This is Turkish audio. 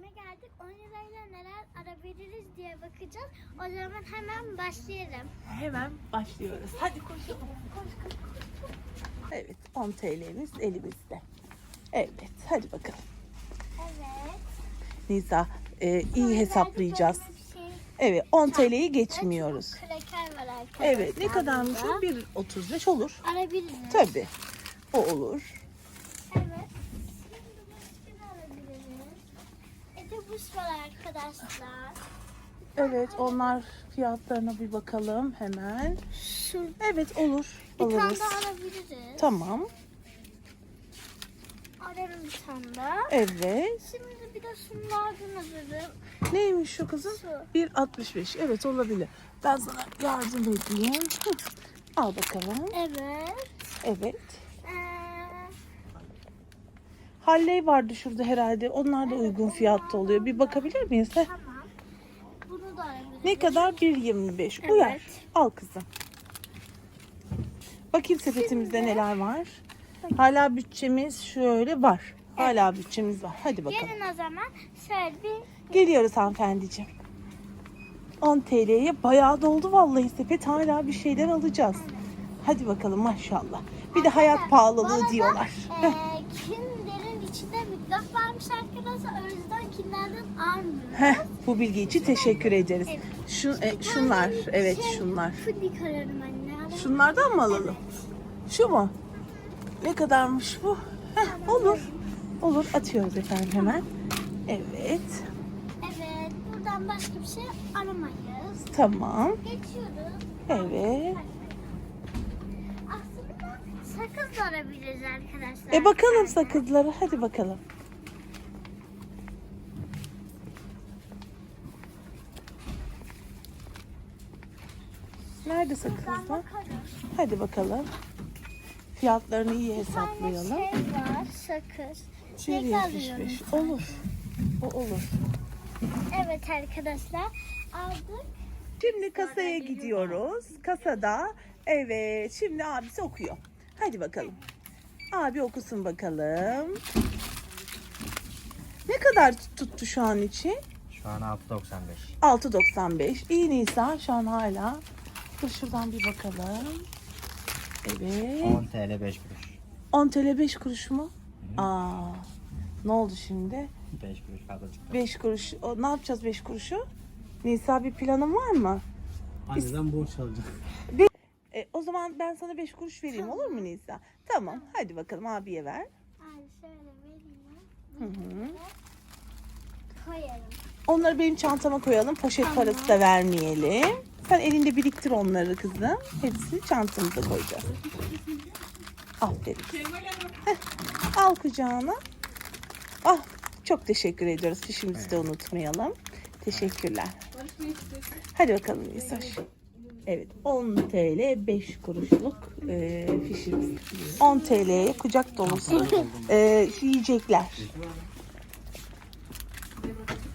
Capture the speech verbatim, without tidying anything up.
geldik. on lirayla neler alabiliriz diye bakacağız. O zaman hemen başlayalım. Hemen başlıyoruz. Hadi koşalım. Koş koş koş. koş. Evet, on T L'miz elimizde. Evet, hadi bakalım. Evet. Nisa, e, iyi Sonra hesaplayacağız. verdik böyle bir şey. Evet, on T L'yi geçmiyoruz. Kreker var arkadaşlar. Evet, ne kadarmış burada. o? bir otuz beş olur. Alabiliriz. Tabii, o olur. Evet. Şimdi başka ne alabiliriz? Etobüs var arkadaşlar. Evet, onlar fiyatlarına bir bakalım hemen. Şu Evet, olur. bir tane Alırız. daha alabiliriz. Tamam. Alalım bir tane daha. Evet. Şimdi bir de şunlardan alırım. Neymiş şu kızım? Şu. bir altmış beş. Evet, olabilir. Ben sana yardım edeyim. Hı. Al bakalım. Evet. Evet. Ee, Halley vardı şurada herhalde. Onlar da uygun fiyatta oluyor. Bir bakabilir miyiz? Heh. tamam. Bunu da alabiliriz. Ne kadar? bir yirmi beş. Evet. Uyar. Al kızım. Bakayım sepetimizde neler var. Hala bütçemiz şöyle var. Hala bütçemiz var. Hadi bakalım. Gelin o zaman şöyle bir Geliyoruz hanımefendiciğim. on T L'ye bayağı doldu vallahi sepet. Hala bir şeyler alacağız. Hadi bakalım maşallah. Bir de hayat pahalılığı diyorlar. Ee, Kinder'in içinde mikrop varmış arkadaşlar. O yüzden Kinder'den almıyoruz. Heh, bu bilgi için teşekkür ederiz. Evet. Şu, e, şunlar, evet Şey, şunlar. Fındık ararım anne. Şunlardan mı alalım? Şu mu? Ne kadarmış bu? Heh, olur. Olur, atıyoruz efendim hemen. Evet. Evet. Buradan başka bir şey aramayız. Tamam. Geçiyoruz. Evet. Aslında sakız da arabiliriz arkadaşlar. E bakalım sakızlara. Hadi bakalım. Nerede Buradan sakızlar? bakarız. Hadi bakalım. Fiyatlarını iyi Bir tane hesaplayalım. şey var sakız. bir Çilek yetmiş alıyorum. beş. Olur. O olur. Evet arkadaşlar aldık. Şimdi kasaya gidiyoruz. Kasada evet şimdi abisi okuyor. Hadi bakalım. Abi okusun bakalım. Ne kadar tuttu şu an için? Şu an altı doksan beş. altı doksan beş. İyi Nisa şu an hala. Dur şuradan bir bakalım. Evet. on T L beş kuruş. on T L beş kuruş mu? Aa. Ne oldu şimdi? beş kuruş fazla çıktı. beş kuruş. O, ne yapacağız beş kuruşu? Nisa bir planın var mı? Anneden borç alacağım. E, o zaman ben sana beş kuruş vereyim olur mu Nisa? Tamam. Hadi bakalım abiye ver. Ay şöyle vereyim. Hı hı. Koyarım. Onları benim çantama koyalım. Poşet Tamam. parası da vermeyelim. Sen elinde biriktir onları kızım. Hepsini çantamıza koyacağız. Aferin. Heh, al kucağına. Ah, çok teşekkür ediyoruz. Fişimizi de unutmayalım. Teşekkürler. Hadi bakalım Nisa. Evet, on T L beş kuruşluk e, fişimiz. on T L'ye kucak dolusu e, yiyecekler.